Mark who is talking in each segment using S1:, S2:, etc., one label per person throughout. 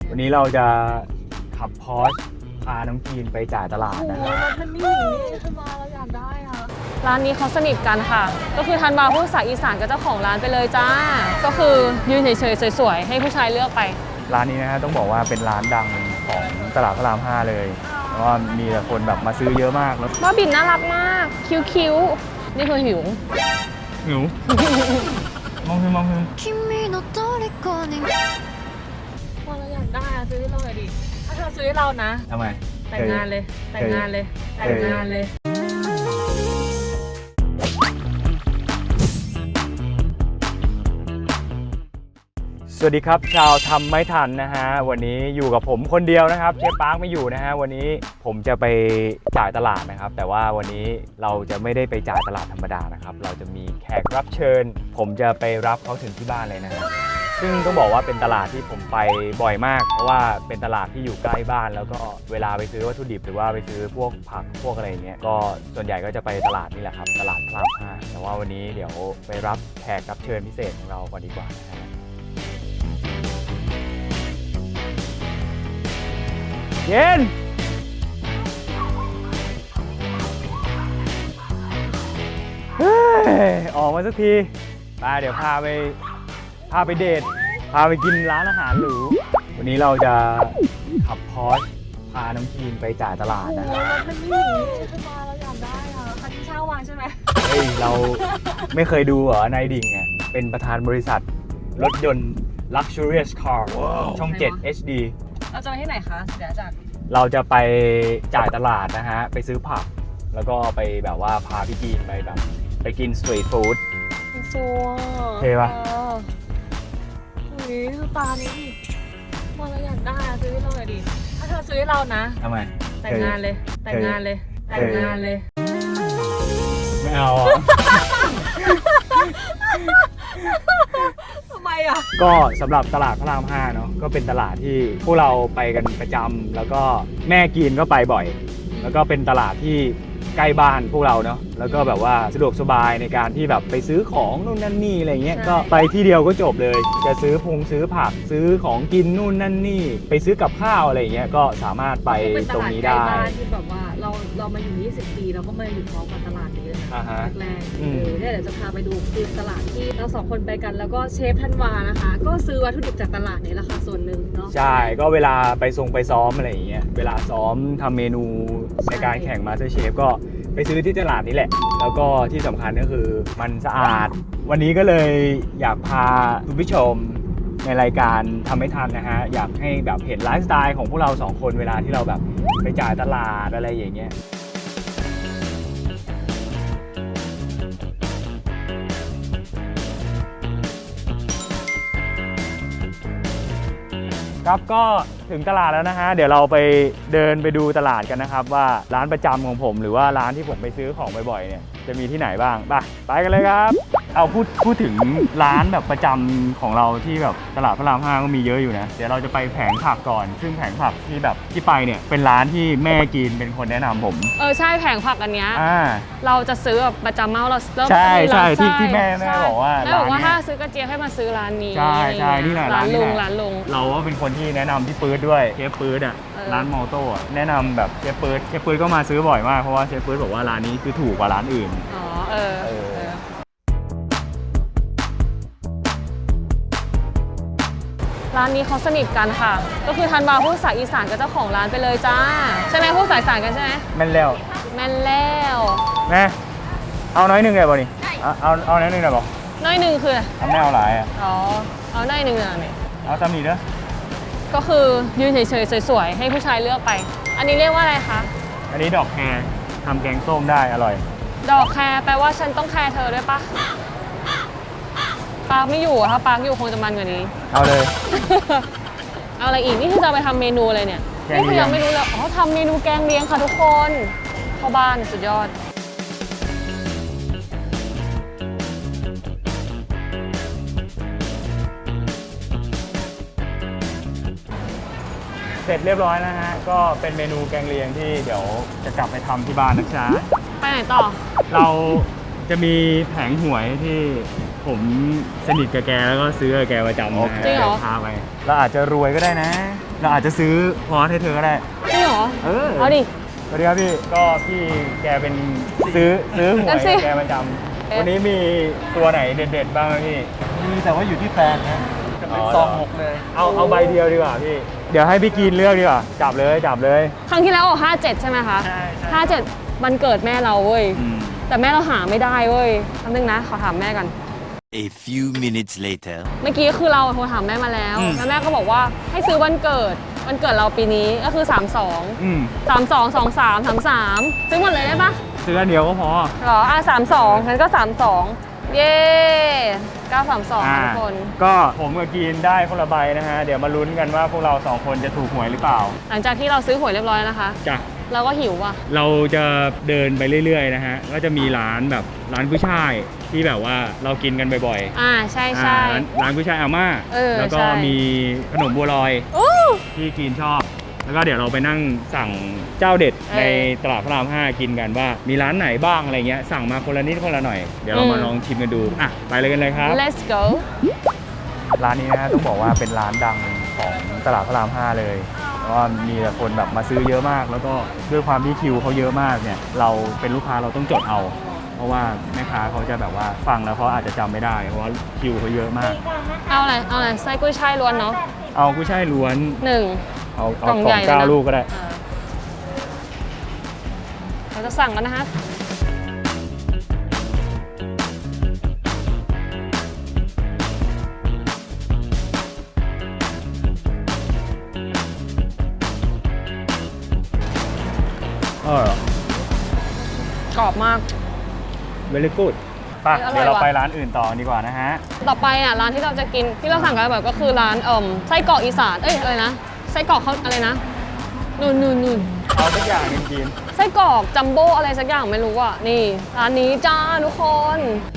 S1: วันนี้เราจะขับพอร์ชพาน้องกีนไปจ่ายตลาดนะ
S2: โอ้รถมันนี่ธันวาเราอยากได้ค่ะ
S3: ร้านนี้เขาสนิทกันค่ะ ก็คือธันวาพูดภาษาอีสานกับเจ้าของร้านไปเลยจ้า ก็คือยืนเฉยๆสวยๆให้ผู้ชายเลือกไป
S1: ร้านนี้นะฮะต้องบอกว่าเป็นร้านดังของตลาดพระราม 5 เลยเพราะว่ามีแต่คนแบบมาซื้อเยอะมากแล้ว
S3: บ้าบินน่ารักมาก คิ้วๆ นี่คือหิว
S1: หิว มองคือ
S2: ว่าเราอยากได้อะซื้อให้เราหน่อยดิ ถ้าเธอซื้อให้เรานะ
S1: ทำไม
S2: แต่งงานเลย แต่งงานเลย แต่งงานเลย
S1: สวัสดีครับชาวทำไม่ทันนะฮะวันนี้อยู่กับผมคนเดียวนะครับเชฟปาร์คไม่อยู่นะฮะวันนี้ผมจะไปจ่ายตลาดนะครับแต่ว่าวันนี้เราจะไม่ได้ไปจ่ายตลาดธรรมดานะครับเราจะมีแขกรับเชิญผมจะไปรับเขาถึงที่บ้านเลยนะฮะซึ่งต้องบอกว่าเป็นตลาดที่ผมไปบ่อยมากเพราะว่าเป็นตลาดที่อยู่ใกล้บ้านแล้วก็เวลาไปซื้อวัตถุดิบหรือว่าไปซื้อพวกผักพวกอะไรอย่างเงี้ยก็ส่วนใหญ่ก็จะไปตลาดนี่แหละครับตลาดพระราม 5แต่ว่าวันนี้เดี๋ยวไปรับแขกรับเชิญพิเศษของเราก่อนดีกว่านะฮะเย็นเฮ้ยออกมาสักทีมาเดี๋ยวพาไปเดทพาไปกินร้านอาหารหรูวันนี้เราจะขับพอร์ชพาน้องกีนไปจ่ายตลาด
S2: โอ้
S1: นะ
S2: รถมันนี่ธันวาเราอยากได้ค่ะคันที่เช่ามาใช่ไหม
S1: เฮ้ยเราไม่เคยดูเหรอนายดิ่งอ่ะเป็นประธานบริษัทรถยนต์ Luxurious Car ช่อง 7 HD
S2: เราจะไปที่ไหนคะเดี๋ยวจาก
S1: เราจะไปจ่ายตลาดนะฮะไปซื้อผักแล้วก็ไปแบบว่าพาพี่กีนไปแบบไปกินสตรีทฟู้ด
S2: ซัว
S1: เท่ปะ
S2: อุ้ยดูตานี้ดิว่าเราอยากได้อะซื้อให้เราหน่อยดิ ถ้าเธอซื้อให้เรานะ
S1: ทำไม
S2: แต่งงานเลย แต่งงานเลย แต่งงานเลย
S1: ไม่เอาอ่ะ
S2: ทำไมอ่ะ
S1: ก็สำหรับตลาดพระราม 5เนาะก็เป็นตลาดที่พวกเราไปกันประจำแล้วก็แม่กีนก็ไปบ่อย แล้วก็เป็นตลาดที่ใกล้บ้านพวกเราเนาะแล้วก็แบบว่าสะดวกสบายในการที่แบบไปซื้อของนู่นนั่นนี่อะไรเงี้ย
S2: ใช่
S1: ก็ไปที่เดียวก็จบเลย จะซื้อซื้อผักซื้อของกินนู่นนั่นนี่ไปซื้อกับข้าวอะไรเงี้ยก็สามารถไป
S2: เป็นต
S1: ตรง
S2: ลาด
S1: นี้
S2: ใกล้
S1: ได้
S2: บ้านที่แบบว่าเรามาอยู่ 20 ปีเราก็มาอยู่พร้อมกับตลาดนี้เลยนะ
S1: อ่าฮะ
S2: แรกๆ
S1: อืม
S2: เนี่ยเดี๋ยวจะพาไปดูคือตลาดที่เราสองคนไปกันแล้วก็เชฟธันวานะคะ ก็ซื้อวัตถุดิบจากตลาดนี้แหละค่ะส่วนหนึ่งเนาะ
S1: ใช่ก็เวลาไปซ้อมอะไรอย่างเงี้ยเวลาซ้อมทำเมนูในการแข่งมาสเตอร์เชฟก็ไปซื้อที่ตลาดนี้แหละแล้วก็ที่สำคัญก็คือมันสะอาด วันนี้ก็เลยอยากพาคุณผู้ชมในรายการทำไม่ทันนะฮะอยากให้แบบเห็นไลฟ์สไตล์ของพวกเราสองคนเวลาที่เราแบบไปจ่ายตลาดอะไรอย่างเงี้ยครับก็ถึงตลาดแล้วนะฮะเดี๋ยวเราไปเดินไปดูตลาดกันนะครับว่าร้านประจำของผมหรือว่าร้านที่ผมไปซื้อของบ่อยๆเนี่ยจะมีที่ไหนบ้างไปกันเลยครับเอาพูดถึงร้านแบบประจำของเราที่แบบตลาดพระราม 5ก็มีเยอะอยู่นะเดี๋ยวเราจะไปแผงผักก่อนซึ่งแผงผักที่แบบที่ไปเนี่ยเป็นร้านที่แม่กินเป็นคนแนะนำผม
S3: ใช่แผงผักอันเนี้ย
S1: อ่า
S3: เราจะซื้อแบบประจำเมาเราเริ่ม
S1: ใช่ใช่
S3: ร้าน
S1: ที่แม่บอกว่า
S3: แม่บอกว่า
S1: ร้านเนี้ย
S3: ถ้าซื้อกระเจี๊ยบให้มาซื้อร้านนี้
S1: ใช่นี่แหละ
S3: ร้าน
S1: นี้
S3: ลุ
S1: แห
S3: ง
S1: ละ
S3: ร้านลุง
S1: เราก็เป็นคนที่แนะนำพี่ปื๊ดด้วยเชฟปื๊ดอ่ะ ร้านมอโต้อะแนะนำแบบเชฟปื๊ดก็มาซื้อบ่อยมากเพราะว่าเชฟปื๊ดบอกว่าร้านนี้คือถูกกว่าร้านอื่น
S3: อ๋อร้านนี้เขาสนิทกันค่ะ ก็คือธันวาพูดภาษาอีสานกับเจ้าของร้านไปเลยจ้า ใช่ไหมพูดภาษาอีสานกันใช่ไหม
S1: แม่นแล้ว
S3: แม่นแล้ว
S1: แม่เอาน้อยหนึ่งเลยบ่นี่เอาน้อยหนึ่งเลยบ่
S3: น้อยหนึ่งคืออะไร
S1: ทำแม่เอาหลายอ่ะ
S3: อ๋อเอาน้อยหนึ่งเนี่ย
S1: เอาซ้ำนี่เด้อ
S3: ก็คือยืนเฉยๆสวยๆให้ผู้ชายเลือกไป อันนี้เรียกว่าอะไรคะ
S1: อันนี้ดอกแครทำแกงส้มได้อร่อย
S3: ดอกแครแปลว่าฉันต้องแคร์เธอด้วยปะปาร์คไม่อยู่อะถ้าปาร์คอยู่คงจะมันกว่านี้
S1: เอาเลย
S3: เอาอะไรอีก นี่คือจะเอาไปทำเมนูอะไรเนี่ย
S1: แกงเลี้
S3: นี่
S1: ยง
S3: คือยังไม่รู้เลยอ๋อทำเมนูแกงเลี้ยงค่ะทุกคนเข้าบ้านสุดยอด
S1: เสร็จเรียบร้อยนะฮะก็เป็นเมนูแกงเลียงที่เดี๋ยวจะกลับไปทำที่บ้านนะจ๊ะ
S3: ไปไหนต่อ
S1: เราจะมีแผงหวยที่ผมสนิทกับแกแล้วก็ซื้อกับแกประจำนะ
S3: จริงเหรอ
S1: พาไปเราอาจจะรวยก็ได้นะเราอาจจะซื้อพอสให้เธอก็ได้
S3: จริงเหรอ เอาดิ
S1: สวัสดีครับพี่ ก็พี่แกเป็นซื้อหวย
S3: นั่นสิ
S1: แกประจำวันนี้มีตัวไหนเด็ดๆบ้างไหมพี่
S4: มีแต่ว่าอยู่ที่แฟนนะจะเป็น
S1: อ๋อ
S4: ซองหกเลย
S1: เอาใบเดียวดีกว่าพี่ เดี๋ยวให้พี่กินเลือกดีกว่า จับเลย
S3: ครั้งที่แล้วออก57 ใช่ไหมคะ
S4: ใช่
S3: 57วันเกิดแม่เราเว้ย แต่แม่เราหาไม่ได้เว้ยคำนึงนะ ขอถามแม่กัน
S5: A few minutes later.
S3: เมื่อกี้คือเราโทรถามแม่มาแล้ว แล้วแม่ก็บอกว่าให้ซื้อวันเกิดเราปีนี้ก็คือ 32 32 23 33 ซื้อหมดเลยได้ปะ
S1: ซื้ออันเดียวก็พอ
S3: เหรอ32งั้นก็ 32 เย้932ทุกคน
S1: ก็ผมกับกินได้คนละใบนะฮะ เดี๋ยวมาลุ้นกันว่าพวกเรา2คนจะถูกหวยหรือเปล่า
S3: หลังจากที่เราซื้อหวยเรียบร้อยแล้วนะคะ
S1: จ้ะ
S3: เราก็หิวว่ะ
S1: เราจะเดินไปเรื่อยๆนะฮะ ก็จะมีร้านแบบร้านกุ้ยช่ายที่แบบว่าเรากินกันบ่อย
S3: ใช่
S1: ๆ
S3: ใช่
S1: ร้านกุ้ยช่ายอาม่า แล้วก็
S3: ใช่
S1: มีขนมบัวลอย
S3: โอ้
S1: ที่กินชอบ แล้วก็เดี๋ยวเราไปนั่งสั่งเจ้าเด็ดในตลาดพระราม 5 กินกันว่ามีร้านไหนบ้างอะไรเงี้ย สั่งมาคนละนิดคนละหน่อย เดี๋ยวเรามาลองชิมกันดู อ่ะ ไปเลยกันเลยครับ
S3: let's go
S1: ร้านนี้นะฮะต้องบอกว่าเป็นร้านดังของตลาดพระราม 5 เลยเพราะว่ามีแต่คนแบบมาซื้อเยอะมาก แล้วก็ด้วยความที่คิวเขาเยอะมากเนี่ย เราเป็นลูกค้าเราต้องจดเอา เพราะว่าแม่ค้าเขาจะแบบว่าฟังแล้วเขาอาจจะจำไม่ได้ เพราะว่าคิวเขาเยอะมาก
S3: เอาอะไรไส้กุ้ยช่ายล้วนเนาะ
S1: เอากุ้ยช่ายล้วน
S3: 1
S1: เอา
S3: กล่องใหญ่เลยนะ
S1: 9 ลูกก็ได้
S3: เราจะสั่งกันนะคะกรอบมาก
S1: very good ป่ะ
S3: เฮ้ยอร่อย
S1: เดี๋ยวเรา
S3: ว่ะ
S1: ไปร้านอื่นต่อดีกว่านะฮะ
S3: ต่อไปอ่ะร้านที่เราจะกินที่เราสั่งกันแบบก็คือร้านไส้กรอกอีสานอะไรนะไส้กรอกเขาอะไรนะนู่น
S1: เอาทุกอย่างหนึ่งกิน
S3: ไส้กรอกจัมโบ้อะไรสักอย่างไม่รู้อ่ะนี่ร้านนี้จ้าทุกคน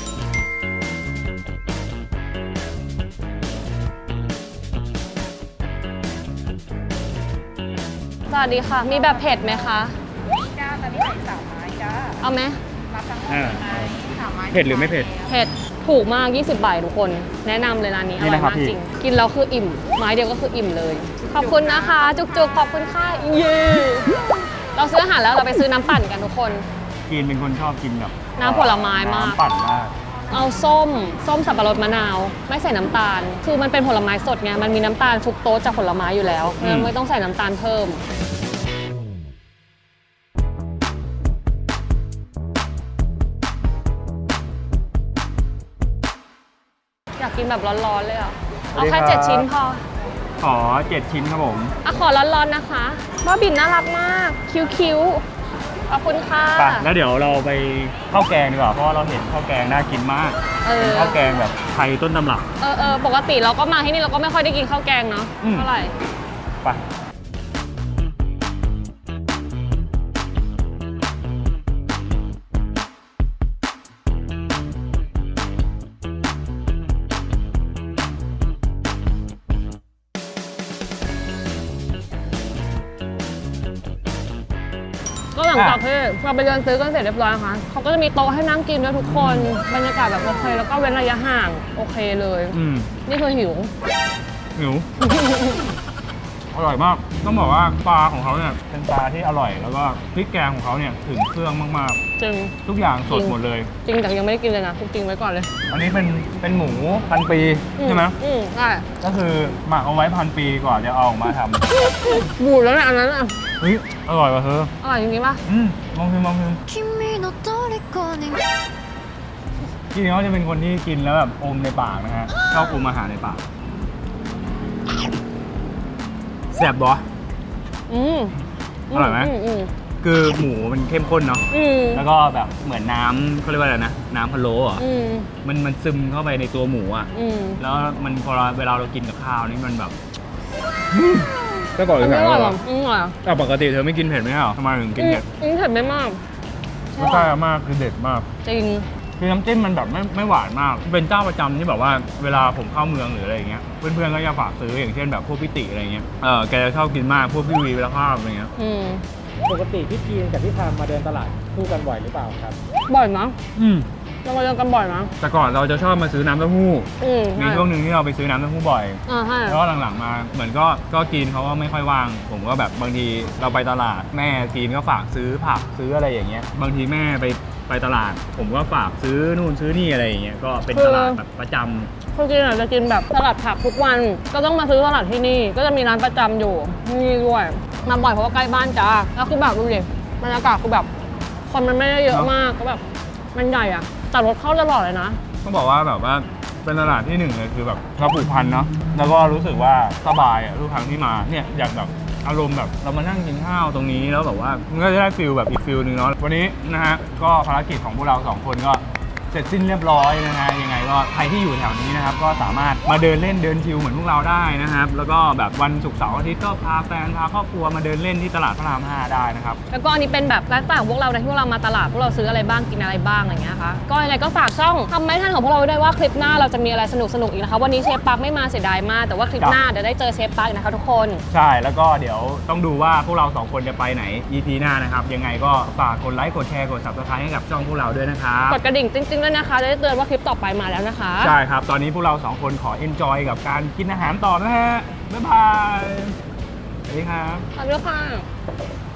S3: สวัสดีค่ะ มีแบบเผ็ดไหมคะ
S2: จ้าตอนนี้ใส่3 ไม้จ้า
S3: เอาไหม
S2: รับทั้งหมด
S1: อ่า
S2: ไหม3 ไม้
S1: เผ็ดหรือไม่เผ็ด
S3: เผ็ดถูกมาก 20 บาททุกคน แนะนำเลยร้านนี้อ
S1: นี่
S3: ร่อย
S1: นะครับ
S3: มาก
S1: พี่
S3: จริง กินแล้วคืออิ่ม ไม้เดียวก็คืออิ่มเลย ขอบคุณนะคะ จุกๆ ขอบคุณค่ะ เย้ เราซื้ออาหารแล้วเราไปซื้อน้ำปั่นกันทุกคน
S1: กินเป็นคนชอบกินแบบ
S3: น้ำผลไม้มาก
S1: น้ำปั่นมาก
S3: เอาส้มสับปะรดมะนาว ไม่ใส่น้ำตาล คือมันเป็นผลไม้สดไง มันมีน้ำตาลฟรุกโตสจากผลไม้อยู่แล้วงั้นไม่ต้องใส่น้ำตาลเพิ่ม อยากกินแบบร้อนๆเลยอ่ะ เอาแค่ 7 ชิ้นพอ
S1: ขอ 7 ชิ้นครับผม
S3: อ่ะขอร้อนๆนะคะบ้าบินน่ารักมาก คิ้วๆ ขอบคุณค่ะ
S1: ไปแล้วเดี๋ยวเราไปข้าวแกงดีกว่า เพราะว่าเราเห็นข้าวแกงน่ากินมาก เป็นข้าวแกงแบบไทยต้นตำรับ
S3: ปกติเราก็มาที่นี่เราก็ไม่ค่อยได้กินข้าวแกงเนาะ
S1: อืม
S3: เท่าไหร่
S1: ไป
S3: ก็หลังจากที่เราไปเดินซื้อกันเสร็จเรียบร้อยนะคะเขาก็จะมีโต๊ะให้นั่งกินด้วยทุกคน บรรยากาศแบบโอเค แล้วก็เว้นระยะห่างโอเคเลย นี่คือหิว
S1: หิว อร่อยมาก ต้องบอกว่าปลาของเขาเนี่ยเป็นปลาที่อร่อย แล้วก็พริกแกงของเขาเนี่ยถึงเครื่องมาก
S3: จริง
S1: ๆ ทุกอย่างสดหมดเลย
S3: จริงแต่ยังไม่ได้กินเลยนะพูดจริงไว้ก่อนเลย
S1: อันนี้เป็นหมูพันปีใช่ไหม
S3: ใช่
S1: ก็คือหมักเอาไว้1,000 ปีก่อนจะเอาออกมาทำ
S3: บูดแล้วเนี่ยอันนั้นอ่ะ
S1: เฮ้ยอร่อยว่ะเธอ
S3: อร่อยจริงๆป่ะ
S1: ลองชิมจริงๆเขาจะเป็นคนที่กินแล้วแบบอมในปากนะฮะชอบอมอาหารในปากแซ่บบ่ อร่อยไหม คือหมูมันเข้มข้นเนาะแล้วก็แบบเหมือนน้ำเขาเรียกว่าอะไรนะน้ำพะโล้เหรอมันซึมเข้าไปในตัวหมูอ่ะแล้วมันพอเวลาเรากินกับข้าวนี่มันแบบก็ก่อนเลย
S3: ไม่
S1: นะ
S3: อร่อยหรออร่อย
S1: แต่ปกติเธอไม่กินเผ็ดไหมเหรอทำไมถึงกินเผ็ด
S3: เผ็ดไม่มาก
S1: รสชาติมากคือเด็ดมาก
S3: จริง
S1: คือน้ำจิ้มมันแบบไม่หวานมากเป็นเจ้าประจำที่แบบว่าเวลาผมเข้าเมืองหรืออะไรอย่างเงี้ยเพื่อนๆก็จะฝากซื้ออย่างเช่นแบบพวกพี่ติอะไรเงี้ยแกจะชอบกินมากพวกพี่วีเวลาข้าวอะไรเงี้ย
S4: ปกติพี่กีนกับพี่พามมาเดินตลาดคู่กันบ่อยหรือเปล่าครับ
S3: บ่อยนะ
S1: อืม
S3: บเรามาเจอกันบ่อยนะ
S1: แต่ก่อนเราจะชอบมาซื้อน้ำเต้าหู้ มี
S3: ใช่
S1: ช่วงหนึ่งที่เราไปซื้อน้ำเต้าหู้บ่อย
S3: ใช่
S1: แล้วก็หลังๆมาเหมือนก็กินเขาก็ไม่ค่อยว่าง ผมก็แบบบางทีเราไปตลาดแม่กินก็ฝากซื้อผักซื้ออะไรอย่างเงี้ย บางทีแม่ไปตลาด ผมก็ฝากซื้อนู่นซื้อนี่อะไรอย่างเงี้ย ก็เป็นตลาดแบบประจำ
S3: คือกินจะกินแบบสลัดผักทุกวัน ก็ต้องมาซื้อสลัดที่นี่ ก็จะมีร้านประจำอยู่นี่ด้วย มาบ่อยเพราะว่าใกล้บ้านจ้า แล้วคือแบบดูดิบรรยากาศคือแบบคนมันไม่ได้เยอะมากก็แบบมันใหญ่อะแต่รถเข้าตลอดเลยนะ
S1: ต้องบอกว่าแบบว่าเป็นตลาดที่หนึ่งเลยคือแบบเราผูกพันเนาะแล้วก็รู้สึกว่าสบายทุกครั้งที่มาเนี่ยอยากแบบอารมณ์แบบเรามานั่งกินข้าวตรงนี้แล้วแบบว่ามันก็จะได้ฟิลแบบอีกฟิลหนึ่งเนาะวันนี้นะฮะก็ภารกิจของพวกเราสองคนก็เสร็จสิ้นเรียบร้อยนะฮะยังไงก็ใครที่อยู่แถวนี้นะครับก็สามารถมาเดินเล่นเดินชิลเหมือนพวกเราได้นะครับแล้วก็แบบวันศุกร์เสาร์อาทิตย์ก็พาแฟนพาครอบครัวมาเดินเล่นที่ตลาดพระราม 5ได้นะครับ
S3: แล้วก็อันนี้เป็นแบบไลฟ์สไตล์ของพวกเราในที่พวกเรามาตลาดพวกเราซื้ออะไรบ้างกินอะไรบ้างอะไรเงี้ยค่ะก็ยังไงก็ฝากช่องทำไม่ทันของพวกเราไว้ด้วยว่าคลิปหน้าเราจะมีอะไรสนุกๆอีกนะคะวันนี้เชฟปักไม่มาเสียดายมากแต่ว่าคลิปหน้าเดี๋ยวได้เจอเชฟปักอีกนะคะทุกคน
S1: ใช่แล้วก็เดี๋ยวต้องดูว่าพวกเราสองคนจะไปไหน EP หน้านะครับยังไงก็ฝากกดไลค์กดแชร์กด Subscribe ให้กับช่องพวกเราด้วยนะครับ
S3: กดกระดิ่งจริงๆด้วยนะคะจะได้เตือนว่าคลิปต่อไปมาแล้วนะคะ
S1: ใช่ครับ ตอนนี้พวกเราสองคนขอ enjoy กับการกินอาหารต่อนะฮะ บ๊ายบาย สวัสดีครับ
S3: ขอบคุณค่ะ